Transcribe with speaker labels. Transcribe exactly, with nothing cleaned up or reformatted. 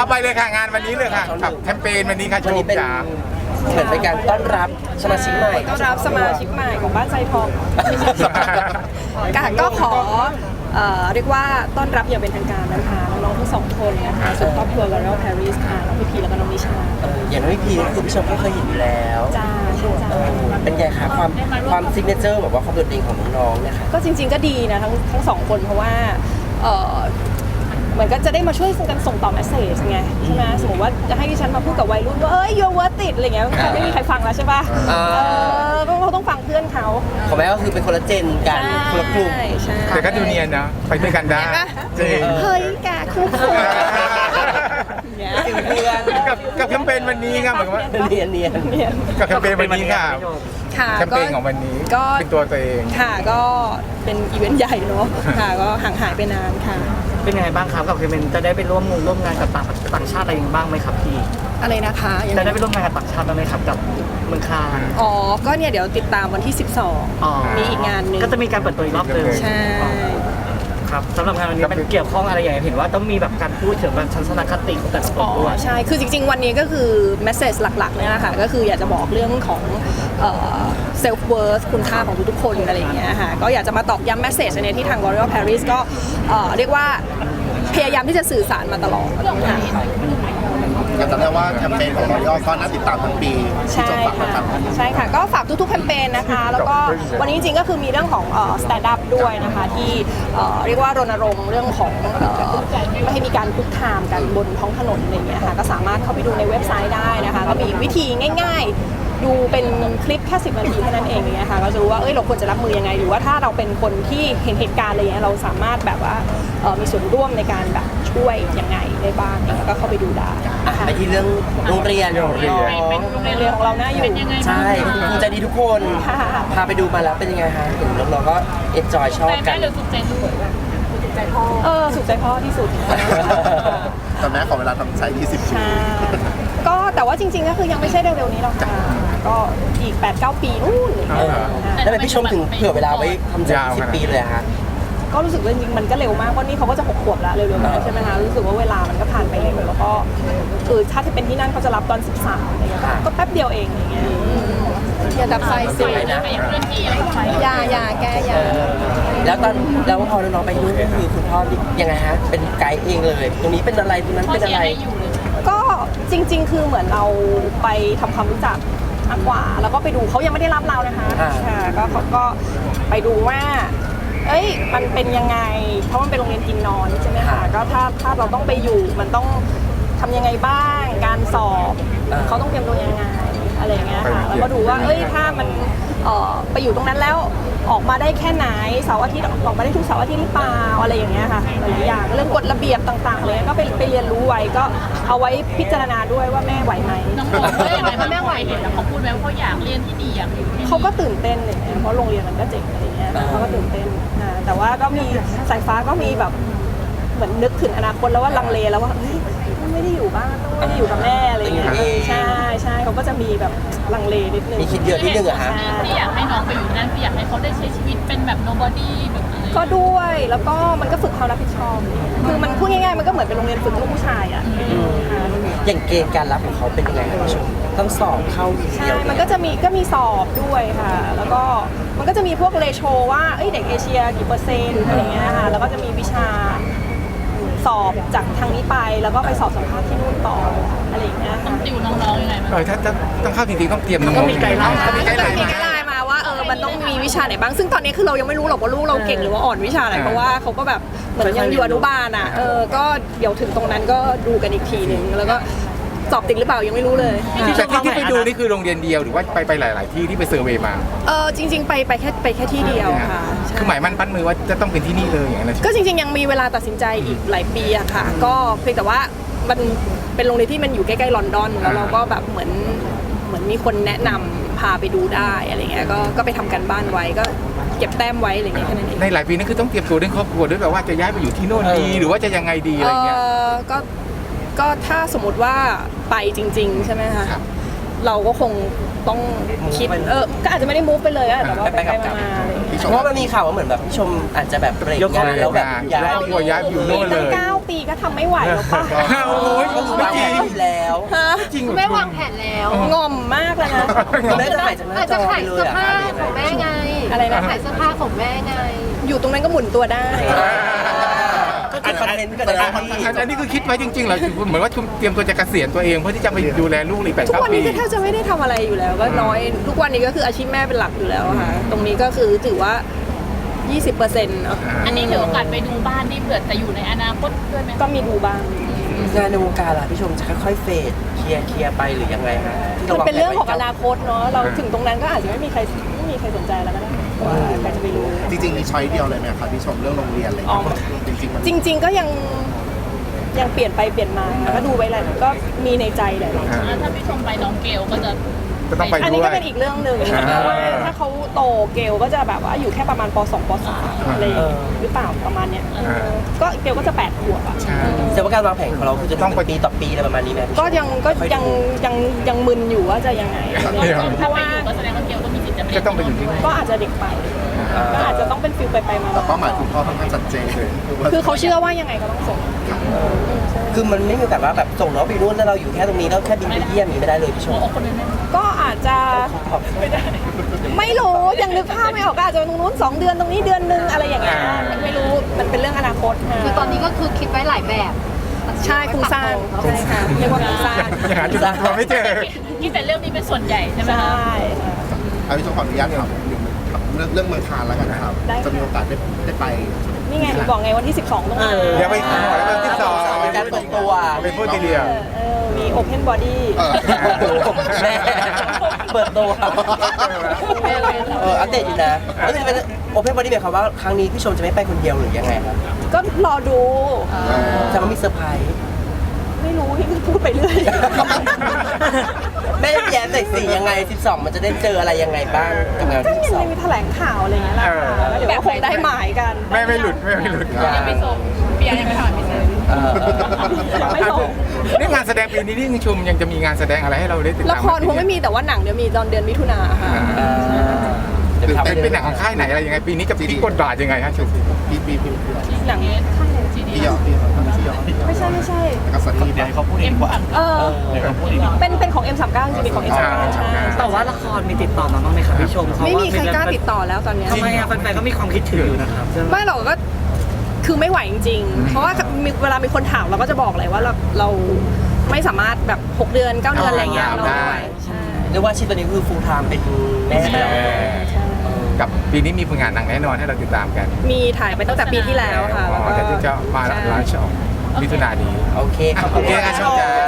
Speaker 1: เอาไปเลยค่ะงานวันนี้เลยค่ะกับแคมเปญวันนี้ค่ะโช
Speaker 2: วันนี้
Speaker 1: ว์
Speaker 2: เป็น
Speaker 1: จ๋า
Speaker 2: เหมือนเป็นการต้อนรับสมาชิกใหม่
Speaker 3: ต้อนรับสมาชิกใหม่ของบ้านไซทองค่ะก็ขอเอ่อเรียกว่าต้อนรับอย่างเป็นทางการนะคะน้องๆทั้งสองคนนะคะส่วนครอบครัว L'Oréal Paris ค่ะน้องพี่พีแล้วก็น้องนิชา
Speaker 2: เอออย่างน้องพี่พีคือพี่ชมก็เคยเห็นอยู่แล้ว
Speaker 3: จ้าใช่จ้า
Speaker 2: เออเป็นไงคะความความซิกเนเจอร์แบบว่าความโดดเด่นของน้องๆเนี่ยค่ะ
Speaker 3: ก็จริงๆก็ดีนะทั้งทั้งสองคนเพราะว่าเอ่อเหมือนก็จะได้มาช่วยกันส่งต่อเมสเซจไงใช่ไหมสมมติว่าจะให้ดิฉันมาพูดกับวัยรุ่นว่าเอ้ย you're worth it อะไรเงี้ยมันไม่มีใครฟังแล้วใช่ป่ะ
Speaker 2: อ่า
Speaker 3: เออก็เขาต้องฟังเพื่อนเขา
Speaker 2: ของแม่ก็คือเป็นคนละเจนกันคนละกลุ่ม
Speaker 3: ใช่ใช่
Speaker 1: แต่ก็ดูเนียนนะไปด้วยกันได้
Speaker 3: เห็นปะ
Speaker 1: จริง
Speaker 3: เฮ้ยแกคู่ควรเนี่ย
Speaker 2: เพื่อน
Speaker 1: กับกับแคมเปญวันนี้ครับเหมือนว่า
Speaker 2: เนียนเนียน
Speaker 3: เนี่ย
Speaker 1: กับแคมเปญวันนี้ค่ะ
Speaker 3: ค่ะ
Speaker 1: แคมเปญของวันนี้
Speaker 3: ก็
Speaker 1: เป็นตัวตัวเอง
Speaker 3: ค่ะก็เป็นอีเวนต์ใหญ่เนาะค่ะก็ห่างหายไปนานค่ะ
Speaker 4: เป็นยังไงบ้างครับกับเคเป็นจะได้ไปร่วมงานร่วมงานกับต่างต่างชาติอะไรอย่างบ้างไหมครับพี่
Speaker 3: อะไรนะคะยัง
Speaker 4: จะ
Speaker 3: ไง
Speaker 4: ได้ไปร่วมงานกับต่างชาติบ้างไหมครับกับเมืองคาน
Speaker 3: อ๋อ ก็เนี่ยเดี๋ยวติดตามวันที่ สิบสอง
Speaker 4: อ๋อ
Speaker 3: มีอีกงานหนึ่ง
Speaker 4: ก็จะมีการเปิดตัวอีกรอบหนึง
Speaker 3: ใช่
Speaker 4: ครับสำหรับงานวันนี้มันเกี่ยวข้องอะไรอย่างไรเห็นว่าต้องมีแบบการพูดถึงแบบทัศนคติของแต่ละค
Speaker 3: อ๋
Speaker 4: น
Speaker 3: อ
Speaker 4: ด้วย
Speaker 3: ใช่ คือจริง ๆ วันนี้ก็คือ message หลักๆเนี่ยนะคะก็คืออยากจะบอกเรื่องของเอ่อ self worth คุณค่าของทุกๆคนอะไรอย่างเงี้ยค่ะก็อยากจะมาตอกย้ำ message ในที่ทาง L'Oréal Paris ก็เอ่อเรียกว่าพยายามที่จะสื่อสารมาตลอดค่ะ
Speaker 5: อยากจะเรียกว่าแคมเปญของเราย่อก็น่าติดตามทั้งปีที่
Speaker 3: ใช่
Speaker 5: จบฝากนะค
Speaker 3: ค่ะ
Speaker 5: รับ
Speaker 3: ใช่ค่ะ ก็ฝากทุกๆแคมเปญนะคะ แล้วก็วันนี้จริงๆก็คือมีเรื่องของเอ่อ stand up ด้วยนะคะที่เอ่อเรียกว่ารณรงค์เรื่องของเอ่อไม่ให้มีการคุกคามกันบนท้องถนนอะไรอย่างเงี้ยค่ะก็สามารถเข้าไปดูในเว็บไซต์ได้นะคะก็มีวิธีง่ายๆ ดูเป็นคลิปแค่สิบนาทีเท่านั้นเองอย่างเงี้ยค่ะก็จะรู้ว่าเอ้ยเราควรจะรับมือยังไงหรือว่าถ้าเราเป็นคนที่เห็นเหตุการณ์อะไรอย่างเงี้ยเราสามารถแบบว่าเอ่อมีส่วนร่วมในการแบบช่วยยังไงได้บ้างเนี่ยก็เข้าไปดูได้
Speaker 2: อ่ะ
Speaker 3: ค่ะ
Speaker 2: ไปที่เรื่องโรงเรียนของน้อง
Speaker 3: โรงเรียนของเราน่าอยู่
Speaker 2: ใช่คุณครูใจดีทุกคน
Speaker 3: ค่ะ
Speaker 2: พาไปดูมาแล้วเป็นยังไงฮะเห็นน้องๆก็เอ็นจอยชอบกัน
Speaker 3: เออสุขใจพ่อที่สุด
Speaker 5: แต่แม่ขอเวลาทำใช้ยี่สิบปี
Speaker 3: ใช่ก็แต่ว่าจริงๆก็คือยังไม่ใช่เร็วๆนี้หรอกค่ะก็อีก แปดเก้า ปีนู่นอะไรอย่าง
Speaker 2: เอ
Speaker 3: เงี้ย
Speaker 2: อ
Speaker 3: ค่ะ
Speaker 2: แล้วทำไมพี่ชมถึงเผื่อเวลาไว้ทำใจ
Speaker 1: ยาว
Speaker 2: สิบ
Speaker 1: ขนาด
Speaker 2: ปีเลยอะฮะ
Speaker 3: ก็รู้สึกว่าจริงๆมันก็เร็วมากเพราะนี่เขาก็จะหกขวบแล้วเร็วๆนี้ใช่ไหมคะรู้สึกว่าเวลามันก็ผ่านไปเร็วแล้วก็คือถ้าที่เป็นที่นั่นเขาจะรับตอนสิบสามอะไรเงี้ยก็แป๊บเดียวเองอย่างเงี้ยอย่าดับไฟสิ
Speaker 2: นะ
Speaker 3: อย่าอย่าแกอย่า
Speaker 2: แล้วตอนแล้วพอน้องๆไปนู่นก็คือคุณพ่อยังไงฮะเป็นไกด์เองเลย ตรงนี้เป็นอะไรตรงนั้นเป็นอะไร
Speaker 3: ก็จริง ๆ คือเหมือนเราไปทำความรู้จักมากกว่าแล้วก็ไปดูเขายังไม่ได้รับเรานะคะ
Speaker 2: อ่า
Speaker 3: ค่ะก็เขาก็ไปดูว่า เอ้ยมันเป็นยังไงเพราะมันเป็นโรงเรียนกินนอนใช่ไหมคะก็ถ้าถ้าเราต้องไปอยู่มันต้องทำยังไงบ้างการสอบเขาต้องเตรียมตัวยังไงอะไรอย่างเงี้ยค่ะแล้วก็ดูว่าเอ้ยถ้ามันเอ่อไปอยู่ตรงนั้นแล้วออกมาได้แค่ไหนเสาร์อาทิตย์ออกมาได้ทุกเสาร์อาทิตย์หรือเปล่าอะไรอย่างเงี้ยค่ะหลายๆอย่างเรื่องกฎระเบียบต่างๆเลยก็ไปไปเรียนรู้ไว้ก็เอาไว้พิจารณาด้วยว่าแม่ไหวไหม
Speaker 6: น้องโบว่าอย่างไรถ้าแม่ไหวเห็นแล้วเขาพูดไหมว่าเขาอยากเรียนที่นี่อยากอยู่ที่นี่
Speaker 3: เขาก็ตื่นเต้นเลยเพราะโรงเรียนมันก็เจ๋งอะไรเงี้ยเขาก็ตื่นเต้นอ่าแต่ว่าก็มีสายฟ้าก็มีแบบเหมือนนึกถึงอนาคตแล้วว่าลังเลแล้วว่าเฮ้ยไม่ได้อยู่บ้านต้องไม่ได้อยู่กับแม่อะไรเงี้ยใช่ใช่เขาก็จะมีแบบลังเลนิดนึง
Speaker 2: มีคิดเยอะนิดนึงเหรอฮะ
Speaker 6: ที่อยากให้น้องไปอยู่ที่นั่นคืออยากให้เขาได้ใช้ชีวิตเป็นแบบ nobody แบบอะไร
Speaker 3: ก็ด้วยแล้วก็มันก็ฝึกความรับผิดชอบ คือมันพูดง่ายๆมันก็เหมือนเป็นโรงเรียนฝึกลูกผู้ชายอ่ะอ่า
Speaker 2: อย่างเกณฑ์การรับของเขาเป็นยังไงครับพี่ชมต้องสอบเข้าที
Speaker 3: ใช่
Speaker 2: เดียว
Speaker 3: มันก็จะมีก็มีสอบด้วยค่ะ แล้วก็มันก็จะมีพวกเรโชว่าเอ้ยเด็กเอเชียกี่เปอร์เซ็นต์อะไรเงี้ยค่ะแล้วก็จะมีวิชาสอบจากทางนี้ไปแล้วก็ไปสอบสัมภาษณ์ที่นู่นต่ออะไรอย่างเงี้ย
Speaker 6: ต้อ
Speaker 3: ค่ะ
Speaker 6: งติวน้องๆยังไง
Speaker 1: เออถ้าจะต้องเข้าจริงๆต้องเตรียมน้องๆ
Speaker 4: ต้องมีไกด์ไลน์
Speaker 1: ต้องมีไกด์ไลน์
Speaker 3: มี
Speaker 1: มา
Speaker 3: ไกด์ไลน์มาว่าเออมันต้องมีวิชาไหนบ้างซึ่งตอนนี้คือเรายังไม่รู้หรอกว่าลูกเราเก่งหรือว่าอ่อนวิชาไหนเพราะว่าเขาก็แบบเหมือนยังอยู่อนุบาลอ่ะเออก็เดี๋ยวถึงตรงนั้นก็ดูกันอีกทีหนึ่งแล้วก็สอบติดหรือเปล่ายังไม่รู้เลย
Speaker 1: แต่ที่ที่ไปดูนี่คือโรงเรียนเดียวหรือว่าไปไปหลาย ๆ ที่ที่ไปเซอร์เวย์มา
Speaker 3: เออจริง ๆ ไปไปแค่ไปแค่ที่เดียวค่ะใช่
Speaker 1: คือหมายมั่นปั้นมือว่าจะต้องเป็นที่นี่เลยอย่างนั้นนะ
Speaker 3: ก็จริง ๆ ยังมีเวลาตัดสินใจอีกหลายปีอะค่ะ ก็เพียงแต่ว่ามันเป็นโรงเรียนที่มันอยู่ใกล้ๆลอนดอนแล้วเราก็แบบเหมือนเหมือนมีคนแนะนำพาไปดูได้อะไรเงี้ยก็ก็ไปทำกันบ้านไว้ก็เก็บแต้มไว้อะไรเงี้ยแค่นั้นเอง
Speaker 1: ในหลายปีนั่นคือต้องเตรียมตัวเรื่องครอบครัวด้วยแบบว่าจะย้ายไปอยู่ที่โน่นดีหรือว่าจะยังไงดีอะไรเงี้ย
Speaker 3: เออก็ก็ถ้าสมมติว่าไปจริง ๆ ใช่ไหมคะ
Speaker 1: ครับ
Speaker 3: เราก็คงต้องคิด
Speaker 2: Move ไป
Speaker 3: เออก็อาจจะไม่ได้มูฟไปเลยอะแต่ว่า
Speaker 2: ไป
Speaker 3: ไป
Speaker 2: ๆ
Speaker 3: ไป
Speaker 2: กลับ
Speaker 3: มาๆอะไรอย่างเงี้ย
Speaker 5: พี่ช
Speaker 2: เพ
Speaker 5: ม
Speaker 2: ราะว่ามันมีข่าวว่าเหมือนแบบพี่ชมอาจจะแบบเบรกงานแล้วแบบย้าย
Speaker 1: ครอบครัวย้ายไปอยู่โน่นเล
Speaker 3: ตั้ง
Speaker 1: ย
Speaker 3: เก้าปีก็ทำไม่ไหวแล้วป่ะ
Speaker 1: โอ้ย
Speaker 2: ก็คือวางแผนอยู่แล้ว
Speaker 3: ฮะ
Speaker 1: จริงเหรอ
Speaker 6: แม่วางแผนแล้ว
Speaker 3: งอมมากเลยนะ
Speaker 2: คุณแม่จะถ่ายจากหน้า
Speaker 6: อาจ
Speaker 2: จ
Speaker 6: จะ
Speaker 2: อ
Speaker 6: ขา
Speaker 2: ไป
Speaker 6: ย
Speaker 2: เล
Speaker 6: เสื้
Speaker 2: ย
Speaker 6: อ
Speaker 2: อะ
Speaker 6: ผ้าของแม่ไง
Speaker 3: อะไรนะ
Speaker 6: ขายเสื้อผ้าของแม่ไง
Speaker 3: อยู่ตรงนั้นก็หมุนตัวได้
Speaker 2: ก็คือคอนเทนต์ก็
Speaker 5: แส
Speaker 2: ได้
Speaker 5: ดงว่า
Speaker 1: อันอันนี้คือคิดไว้จริงๆเหรอคือเหมือนว่าเตรียมตัวจะเกษียณตัวเองเพื่อที่จะไปดูแลลูกอีกแปด
Speaker 3: ทุก
Speaker 1: เก้า
Speaker 3: วัน
Speaker 1: ปี
Speaker 3: นี้ก็แทบจะไม่ได้ทำอะไรอยู่แล้วก็น้อยทุกวันนี้ก็คืออาชีพแม่เป็นหลักอยู่แล้วค่ะตรงนี้ก็คือถือว่า ยี่สิบเปอร์เซ็นต์ เนาะ
Speaker 6: อันนี้ถือโอกาสไปดูบ้านที่เผื่อจะอยู่ในอนาคตด้วยไหม
Speaker 3: ก็มีดูบ้าง
Speaker 2: งานในวงการล่ะพี่ชมจะค่อยๆเฟดเคลียร์เคลียร์ไปหรือยังไงฮะที่
Speaker 3: มันเป็นเรื่องของอ
Speaker 2: วา
Speaker 3: นาคตเนาะเราถึงตรงนั้นก็อาจจะไม่มีใครไม่มีใครสนใจแล้วก็ได้ว่าใครจะไปรู้
Speaker 5: จริงๆมีช้อยเดียวเลยไหมครับพี่ชมเรื่องโรงเรียนอะไรอย่างเงี้ยจริงๆมัน
Speaker 3: จริง ๆ ก็ยังยังเปลี่ยนไปเปลี่ยนมาก็ดูไว้แหละก็มีในใจแหละ
Speaker 1: อ่า
Speaker 6: แล้วถ้าพี่ชมไปน้องเกลก็จะ
Speaker 1: ก็ต้องไป
Speaker 3: อัน
Speaker 1: ด้
Speaker 3: นี้
Speaker 1: ว
Speaker 3: ก็
Speaker 1: ย
Speaker 3: เป็นอีกเรื่องหนึ่ง
Speaker 1: อ่า
Speaker 3: เพราะว่าถ้าเขาโตเกลก็จะแบบว่าอยู่แค่ประมาณป สอง ป สามอะไรอย่างเงี้ยหรือเปล่าประมาณเนี้ยเออก็เกลก็จะแปดขวบอ่ะ
Speaker 1: ใช่
Speaker 2: แต่ว่าการวางแผนของเราคือจะต้องไปปีต่อปีอะไรประมาณนี้ไหม
Speaker 3: ก็ยังก็ยังยังยังมึนอยู่ว่าจะยังไงอะไรอย่างเงี้ยเพ
Speaker 6: ถ้า
Speaker 3: ราะ
Speaker 6: ไป
Speaker 3: ว่า
Speaker 6: อยู่ก็แสดงว่าเกลก็มีสิทธิ์จะ
Speaker 1: ก็ต้องไปอยู่ที่นู่น
Speaker 3: ก็อาจจะเด็กไปก็อาจจะต้องเป็นฟิลไปไปมา
Speaker 5: แต่เป้าหมายคุณพ่อค่อนข้างชัดเจนเลยว่า
Speaker 3: คือเขาเชื่อว่ายังไงก็ต้องส่ง
Speaker 2: คือมันไม่มีแบบว่าแบบส่งน้องไปนู่นแล้วเราอยู่แค่ตรงนี้แล้วแค่บินไปเยี่ยมอย่างนี้ไม่ได้เลยพี่ช
Speaker 6: หัว
Speaker 2: ม
Speaker 6: อกคนนึง
Speaker 3: ก็อาจจะไม่รู้ยังนึกภาพไม่ออกก็อาจจะตรงนู้นสองเดือนตรงนี้เดือนนึงอะไรอย่างเงี้ยไม่รู้มันเป็นเรื่องอนาคตค่ะ
Speaker 6: คือตอนนี้ก็คือคิดไว้หลายแบบ
Speaker 3: ใช่โครงสร้างใช่ค่ะเรียกว่าโครงสร้าง
Speaker 1: ยังหาจุดตัวไม่เจอ
Speaker 6: คิดแต่เรื่องนี้เป็นส่วนใหญ่ใช่ไหม
Speaker 3: ใช่
Speaker 6: คะ
Speaker 5: เอาพี่ชมขออนุญาตถามเรื่องเรื่องเมืองคานแล้วกันนะครับ
Speaker 3: ได้ค่ะ
Speaker 5: จะมีโอกาสได้ได้ไป
Speaker 3: นี่ไงบอกไงวันที่สิบสองต้องมา
Speaker 1: เดี๋ยวไปขอแล้ววันที่สอง
Speaker 2: เป็นการเปิดตัว
Speaker 1: เป็นพูดทีเดียว
Speaker 3: เออเออมี Open Body
Speaker 5: เออ
Speaker 2: แม่เปิดตัวเอออัปเดตอยู่นะแล้วจะเป็นโอเพนบอดี้หมายความว่าครั้งนี้พี่ชมจะไม่ไปคนเดียวหรือยังไงครับ
Speaker 3: ก็รอดู
Speaker 2: จะว่ามีเซอร์ไพรส์
Speaker 3: ไม่รู้พี่พูดไปเรื่อย
Speaker 2: แม่แย้มใส่สียังไงสิบสองมันจะได้เจออะไรยังไงบ้างกับงาน
Speaker 3: ก็
Speaker 2: ที่สิบ
Speaker 3: ยั
Speaker 2: สอง
Speaker 3: งมีแถลงข่าวอะไรอย่างเงี้ยแหละค่ะแล้วเดี๋ยวก็คงได้หมายกัน
Speaker 1: ไม่ไม่หลุดไม่ไม่หลุด
Speaker 6: ยังไม่ส่งเบียร์ยังไม่ถามพี่เซน
Speaker 2: เออ
Speaker 3: ยังไม่ส่ง
Speaker 1: นี่งานแสดงปีนี้นี่ยังชมยังจะมีงานแสดงอะไรให้เราได้ติดตาม
Speaker 3: ละครคงไม่มีแต่ว่าหนังเดี๋ยวมีตอนเดือนมิถุนาค่ะ
Speaker 2: อ่า
Speaker 1: เป็นเป็นหนังของค่ายไหนอะไรยังไงปีนี้จะพลิกบทบาทยังไงฮะชม
Speaker 5: ปีปีปีปี
Speaker 3: หนัง
Speaker 6: จีดี
Speaker 5: พี่ยอดพี่ยอดพี่ยอด
Speaker 3: ไม่ใช่ไม่ใช่
Speaker 5: แล้วก็สันนี่ไป
Speaker 6: เอ็มผัก
Speaker 3: เออเป็นเป็นของ เอ็ม สามสิบเก้า จริงๆเป็นของ เอ็ม สามสิบเก้า ใช่
Speaker 4: แต่ว่าละครมีติดต่อมาบ้างไหมครับพี่ชมเพราะ
Speaker 3: ไม่
Speaker 4: ว่า
Speaker 3: มีใครกล้าติดต่อแล้วตอนเนี้ย
Speaker 4: ทำไมอะแฟนๆก็มีความคิดถึงอยู่นะครับใช่ไหม
Speaker 3: ไม่หรอกก็คือไม่ไหวจริงๆ เพราะว่ามีเวลามีคนถามเราก็จะบอกเลยว่าเราเราไม่สามารถแบบหกเดือนเก้าเดือนอะไรเงี้ยเราไม่ไหวใช่
Speaker 2: เรียกว่าอาชีพตอนนี้คือฟูลไทม์เป็นแม่ไปแล้ว
Speaker 3: ใช่
Speaker 1: กับปีนี้มีผลงานหนังแน่นอนให้เราติดตามกัน
Speaker 3: มีถ่ายไปตั้งแต่ปีที่แล้วค่ะ
Speaker 1: อ๋
Speaker 3: แล้ว
Speaker 1: อ
Speaker 3: ก็
Speaker 1: แต่ที่จะมาหลังชอมิถุนานี้
Speaker 2: โอเคขอบ
Speaker 1: โอ
Speaker 2: คุณ
Speaker 1: เค
Speaker 2: มาก
Speaker 1: อ่ะชอบใจ